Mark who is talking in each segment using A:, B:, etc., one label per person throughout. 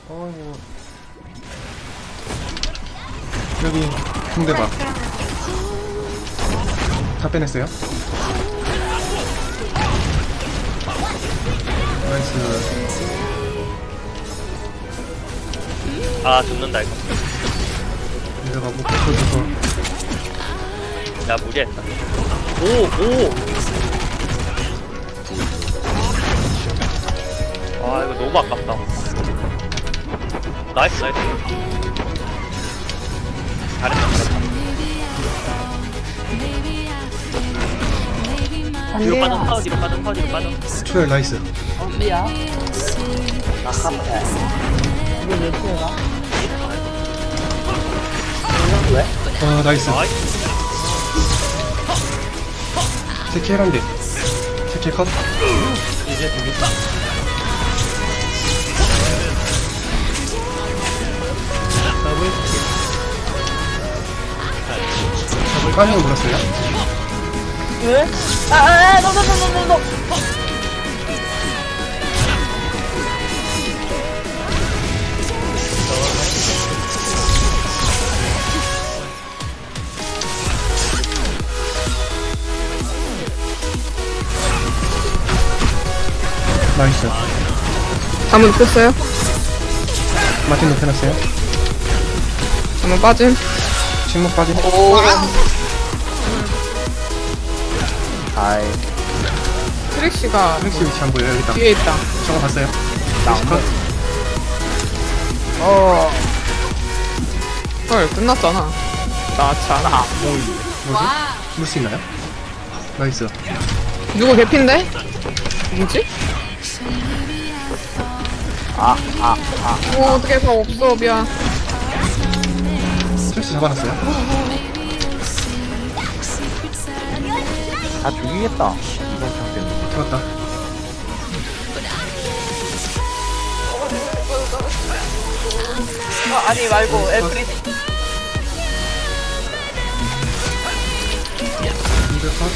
A: 어이구. 여기 붕대박 다 빼냈어요. 나이스.
B: 아 죽는다 이거.
A: 내가 못 붙여줘서.
B: 야 무리했다. 오. 아 이거 너무 아깝다. 나이스. 잘했다. 뒤로 빠져, 뒤로 빠져.
A: 초열 나이스.
C: 미야. 아깝다. 이게 몇 초야? 왜?
A: 아 나이스.
B: 나이스.
A: 세킬 한대. 세킬 컷.
C: 이제 되겠다.
A: 까냥 물었어요.
C: 왜? 너.
A: 나이스.
D: 잠은 눕혔어요?
A: 마틴 높여놨어요.
D: 잠은 빠짐?
A: 침묵 빠진.
C: 아이.
D: 트릭시가
A: 트릭스 위치 안 보여요. 여기 있다.
D: 뒤에 있다.
A: 저거 봤어요.
C: 나
A: 트릭스 컷.
D: 헐, 끝났잖아. 나참.
A: 뭐지? 물 수 있나요? 나이스.
D: 누구 개핀데? 누구지? 어떻게 다 없어, 미안.
A: 트릭스 잡아놨어요.
C: 다 죽이겠다. 이번 장 때문에.
A: 잡았다.
C: 아니 말고 애플이.
A: 이들 컷.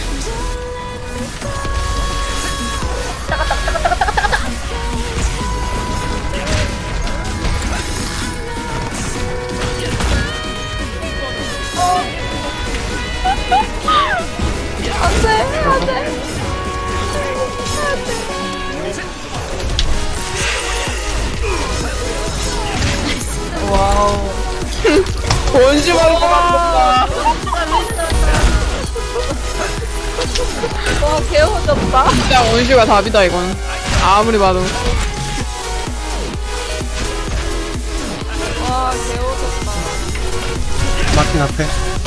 C: 와우.
D: 원시 말고
C: 와 개워졌다.
D: 진짜 원시가 답이다, 이건. 아무리 봐도.
C: 와 개워졌다.
A: 마틴 앞에.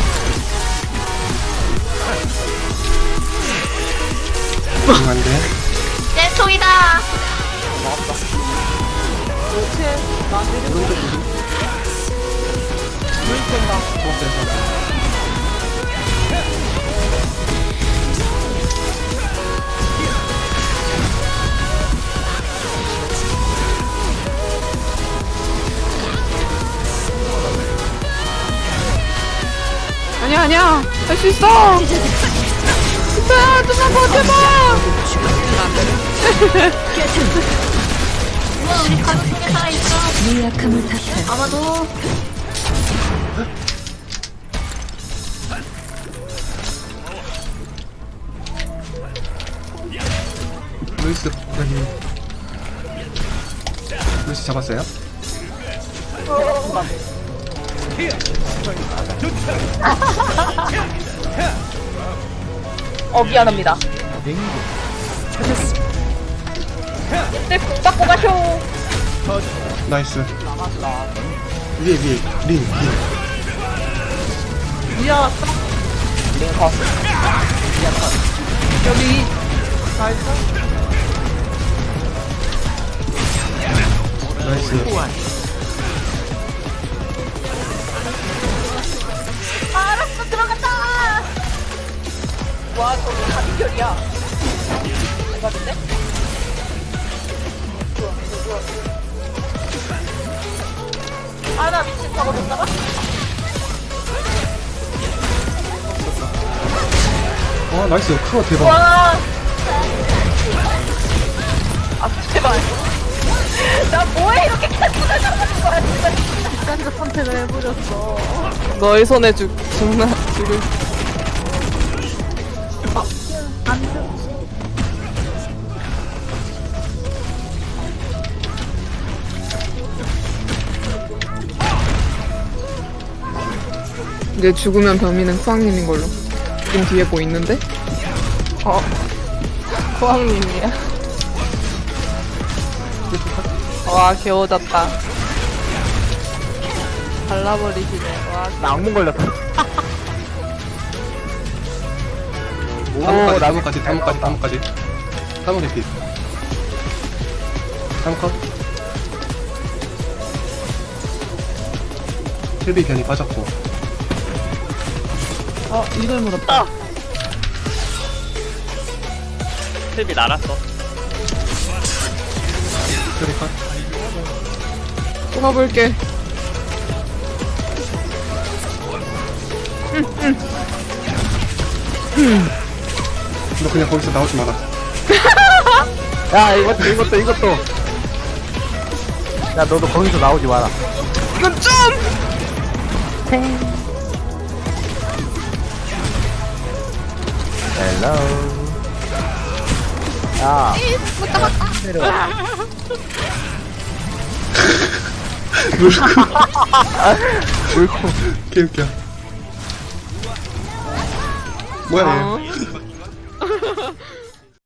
A: 안 돼.
E: 내
C: 그렇지. 나 내리고.
D: 아니야. 할 수 있어. 진짜야, 좀만 버텨봐.
E: 우와 우리 가족 중에 살아있어. 아마도
A: 루이스 여기. 루이스 잡았어요.
C: 미안합니다. 네, 닦고 가쇼.
A: 나이스. 위에 린.
C: 미안. 링 컷. 미안 컷. 여기. 나이스.
A: 나이스.
C: 알았어 들어갔다. 와 저거 다 비결이야. 대박인데? 아나 미친 저거 못 잡아?
A: 나이스. 크로 대박.
C: 와. 아 제발. 나 뭐해 이렇게 계속
E: 딴적 선택을 해버렸어.
D: 너의 손에 죽나 죽을.
E: 안 돼.
D: 이제 죽으면 범인은 수학님인 걸로. 지금 뒤에 뭐 있는데?
C: 호황님이야. 와, 개워졌다. 발라버리시네. 와,
F: 나 악몽 걸렸어.
A: 나무까지 나무 개피. 나무 컷. 힐비 변이 빠졌고.
C: 이걸 물었다.
B: 힐비 날았어.
A: 힐비 컷.
D: 뽑아볼게.
A: 너 그냥 거기서 나오지 마라.
F: 야, 이것도. 야, 너도 거기서 나오지 마라.
D: 이건 좀!
F: 헬로. 야. 내려와. 물고.
A: 개웃겨. 뭐야 얘.